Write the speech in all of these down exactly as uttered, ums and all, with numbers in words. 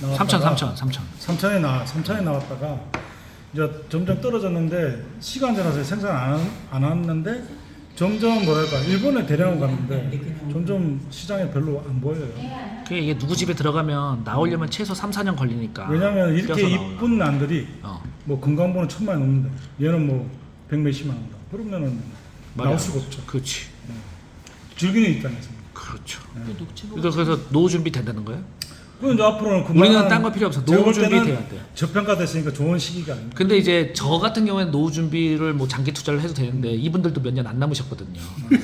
나왔다가 삼천 삼천 삼천. 삼천에 나 삼천에 나왔다가 이제 점점 떨어졌는데 시간 지나서 생산 안, 안 왔는데 점점 뭐랄까 일본에 대량으로 갔는데 점점 시장에 별로 안 보여요. 그게 이게 누구 집에 들어가면 나오려면 최소 삼, 사 년 걸리니까. 왜냐면 이렇게 뼈서 나오려면. 이쁜 난들이 어. 뭐 건강보는 천만이 넘는데 얘는 뭐 백몇십만 원다. 그러면은 말이 나올 안 수가 되죠. 없죠. 그렇지. 즐기는 입장에서. 그렇죠. 네. 그러니까 그래서 노후 준비 된다는 거예요? 그럼 이제 앞으로는 우리는 딴 거 필요 없어. 제가 노후 볼 준비 때는 돼야 돼. 저평가됐으니까 좋은 시기가 아닙니다. 근데 이제 저 같은 경우에는 노후 준비를 뭐 장기 투자를 해도 되는데 이분들도 몇 년 안 남으셨거든요.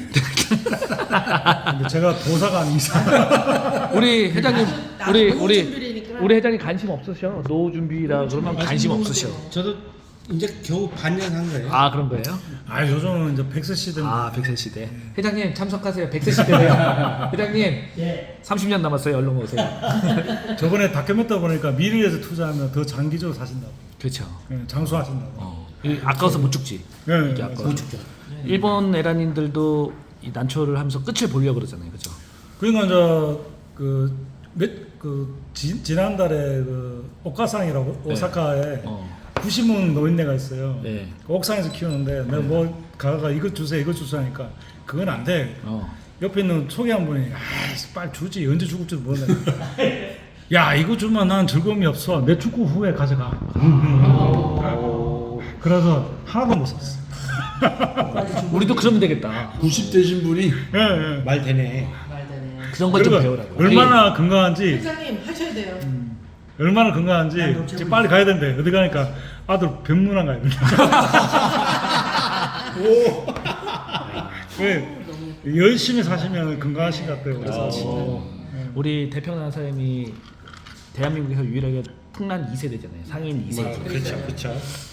근데 제가 도사가 아닌 이상 우리 회장님, 나도 우리 노후 우리 준비라니까. 우리 회장님 관심 없으셔. 노후 준비라 그러면 관심 없으셔. 저도 이제 겨우 반년 한 거예요. 아 그런 거예요? 아 요즘은 이제 백세 시대입니다. 아 백세 시대. 회장님 참석하세요. 백세 시대예요. 회장님 예. 삼십 년 남았어요. 얼른 오세요. 저번에 다큐멘터 보니까 미래에서 투자하면 더 장기적으로 사신다고. 그렇죠. 예, 장수하신다고. 어. 이 아까워서 못 죽지. 예, 이게 예, 아까워. 못 죽죠. 일본 에란인들도 이 난초를 하면서 끝을 보려고 그러잖아요. 그죠? 그러니까 이제 그몇그 지난달에 그 오카상이라고 네. 오사카에 어. 구시문 노인네가 있어요. 네. 그 옥상에서 키우는데 내가 뭐 가가 이것 주세요 이것 주세요 하니까 그건 안 돼. 어. 옆에 있는 소개한 분이 아 빨리 주지 언제 죽을지도 모르네. 야 이거 주면 난 즐거움이 없어. 내 축구 후에 가져가. 그래서 하나도 못 샀어. 우리도 그러면 되겠다. 구십 되신 분이 예, 예. 말 되네. 말되네. 그런 걸 좀 그리고 배우라고. 얼마나 건강한지 회장님 하셔야 돼요. 얼마나 건강한지 이제 빨리 가야 된대. 어디 가니까 아들 병문안 가야 된다. 왜 열심히 사시면 건강하신 것 같아요. 그래서 어. 우리 대평양 사장님이 대한민국에서 유일하게 풍란 이 세대잖아요. 상인 이 세대. 그렇죠, 그렇죠.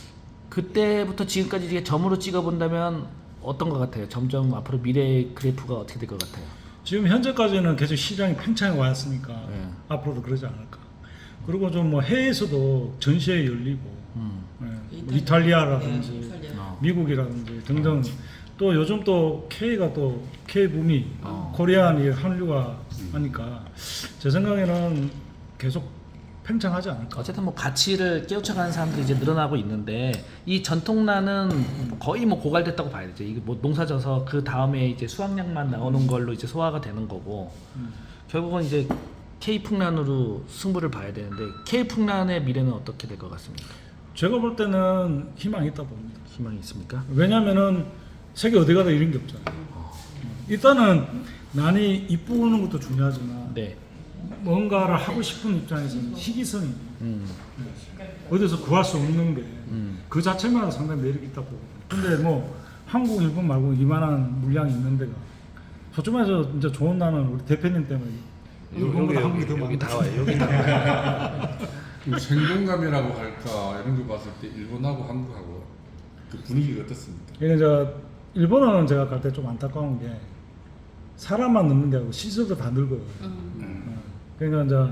그때부터 지금까지 이게 점으로 찍어본다면 어떤 것 같아요? 점점 앞으로 미래 그래프가 어떻게 될 것 같아요? 지금 현재까지는 계속 시장이 팽창해 왔으니까 네. 앞으로도 그러지 않을까. 그리고 좀 뭐 해외에서도 전시회 열리고 음. 예, 뭐 이탈리아라든지 네, 이탈리아. 어. 미국이라든지 등등 또 요즘 또 K가 또 K 붐이 어. 코리안이 한류가 하니까 제 생각에는 계속 팽창하지 않을까. 어쨌든 뭐 가치를 깨우쳐가는 사람들이 이제 늘어나고 있는데 이 전통란은 거의 뭐 고갈됐다고 봐야 되죠. 이게 뭐 농사져서 그 다음에 이제 수확량만 나오는 걸로 이제 소화가 되는 거고 음. 결국은 이제 K 풍란으로 승부를 봐야 되는데 K 풍란의 미래는 어떻게 될 것 같습니까? 제가 볼 때는 희망이 있다 봅니다. 희망이 있습니까? 왜냐면은 세계 어디 가도 이런 게 없잖아요. 일단은 난이 이쁘는 것도 중요하지만 네. 뭔가를 하고 싶은 입장에서는 희귀성이 음. 어디서 구할 수 없는 게 그 음. 자체만 상당히 매력이 있다 보거든요. 근데 뭐 한국, 일본 말고 이만한 물량이 있는 데가 솔직히 말해서 이제 좋은 나는 우리 대표님 때문에 일본보다 한국이 더 여기 많다. 다 와요. 여기 다 와요. 그 생동감이라고 할까 이런 걸 봤을 때 일본하고 한국하고 그 분위기가 어떻습니까? 이게 이제 일본어는 제가 갈 때 좀 안타까운 게 사람만 늙는 게 아니고 시설도 다 늙어요. 어. 그러니까 이제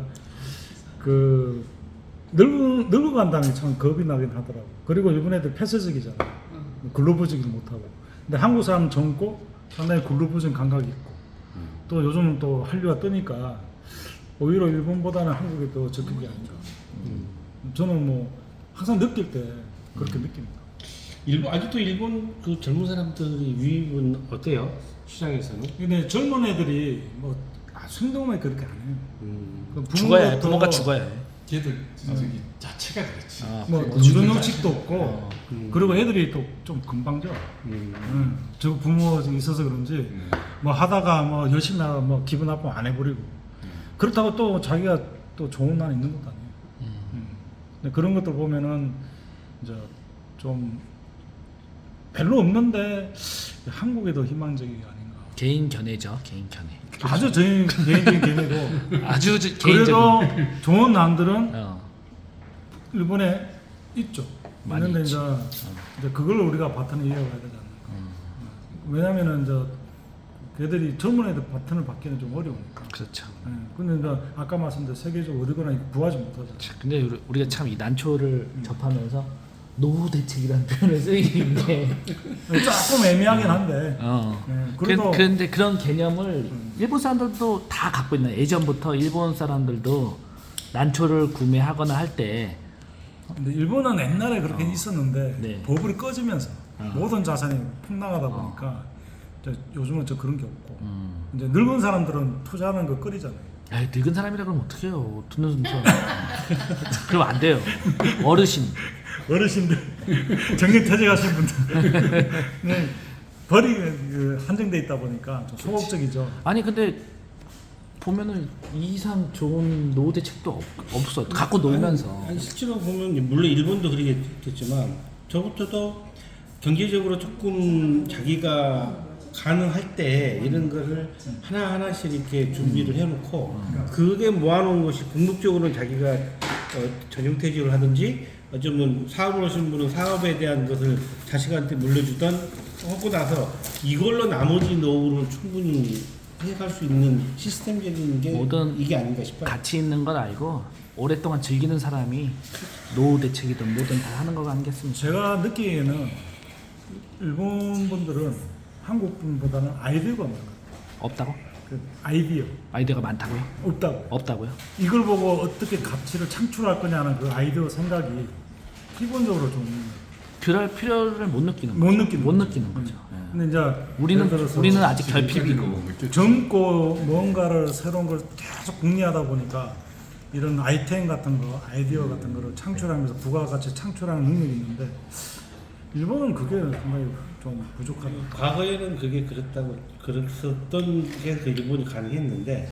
그 늙어 늙어간다는 게 참 겁이 나긴 하더라고. 그리고 일본 애들 폐쇄적이잖아. 글로벌적이지 못하고. 근데 한국 사람 젊고 상당히 글로벌적인 감각이 있고. 또 요즘 또 한류가 뜨니까 오히려 일본보다는 한국이 더 적극이 아닌가. 저는 뭐 항상 느낄 때 그렇게 느낍니다. 일본 아직도 일본 그 젊은 사람들의 유입은 어때요? 시장에서는? 근데 젊은 애들이 뭐 아, 행동만 그렇게 안 해요. 음. 그 죽어야 해. 부모도 부모가 죽어야 해. 걔들 저기 자체가 그렇지. 아, 뭐 그래. 유전형식도 없고 어. 음. 그리고 애들이 또 좀 금방져. 음. 음. 저 부모 있어서 그런지 뭐 하다가 뭐 열심히 하다 뭐 기분 나쁘면 안 해버리고 그렇다고 또 자기가 또 좋은 날 있는 것도 아니에요. 음. 근데 그런 것들 보면은 이제 좀 별로 없는데 한국에 더 희망적이 아닌가. 개인 견해죠. 개인 견해. 아주 저희 개인적인 견해고 아주 저- 그래도 개인적인. 좋은 남들은 어. 일본에 있죠. 많이 있는데 있지. 이제, 이제 그걸 우리가 바탕을 이어가야 되지 않을까. 왜냐면은 이제 걔들이 젊은 애들 바탕을 받기는 좀 어려우니까. 그렇죠. 예. 근데 이제 아까 말씀드린 세계적으로 어디거나 구하지 못하죠. 근데 우리- 우리가 참 이 난초를 접하면서 노후 대책이라는 표현을 쓰이는 게 조금 애매하긴 한데. 어. 예, 그, 그래도 그런데 그런 개념을 일본 사람들도 다 갖고 있는 예전부터 일본 사람들도 난초를 구매하거나 할 때 근데 일본은 옛날에 그렇게 있었는데 네. 버블이 꺼지면서 아. 모든 자산이 폭락하다 보니까 저 요즘은 저 그런 게 없고 음. 이제 늙은 사람들은 투자하는 거 꺼리잖아요. 에이, 늙은 사람이라 그러면 어떡해요. 듣는 사람. 그러면 안 돼요. 어르신. 어르신들 정년퇴직하신 분들 네, 벌이 그 한정돼 있다 보니까 좀 소극적이죠. 아니 근데 보면은 이 이상 좋은 노후 대책도 없, 없어. 갖고 놀면서. 아니, 실제로 보면 물론 일본도 그러겠지만 저부터도 경제적으로 조금 자기가 가능할 때 이런 거를 하나 하나씩 이렇게 준비를 해놓고 그게 모아놓은 것이 궁극적으로는 자기가 어, 전용퇴직을 하든지 어쩌면 사업을 하시는 분은 사업에 대한 것을 자식한테 물려주던 하고 나서 이걸로 나머지 노후를 충분히 해갈 수 있는 시스템적인 게 모든 이게 아닌가 싶어요. 가치 있는 건 알고 오랫동안 즐기는 사람이 노후 대책이든 뭐든 다 하는 거 아니겠습니까? 제가 느끼기에는 일본 분들은 한국 분보다는 아이디어가 많아요. 없다고? 그 아이디어 아이디어가 많다고요? 없다고. 없다고요? 이걸 보고 어떻게 가치를 창출할 거냐는 그 아이디어 생각이 기본적으로 좀 못 그럴 필요를 못 느끼는 거죠. 느끼는 못 거죠. 느끼는 거죠. 예. 근데 이제 우리는 예를 들어서 우리는 아직 지금까지는 결핍이고 못 느꼈죠. 젊고 뭔가를 새로운 걸 계속 궁리하다 보니까 이런 아이템 같은 거, 아이디어 같은 거를 창출하면서 부가가치 창출하는 능력이 있는데 일본은 그게 상당히 좀 부족하다. 과거에는 그게 그랬다고 그랬었던 게 그 일본이 가능했는데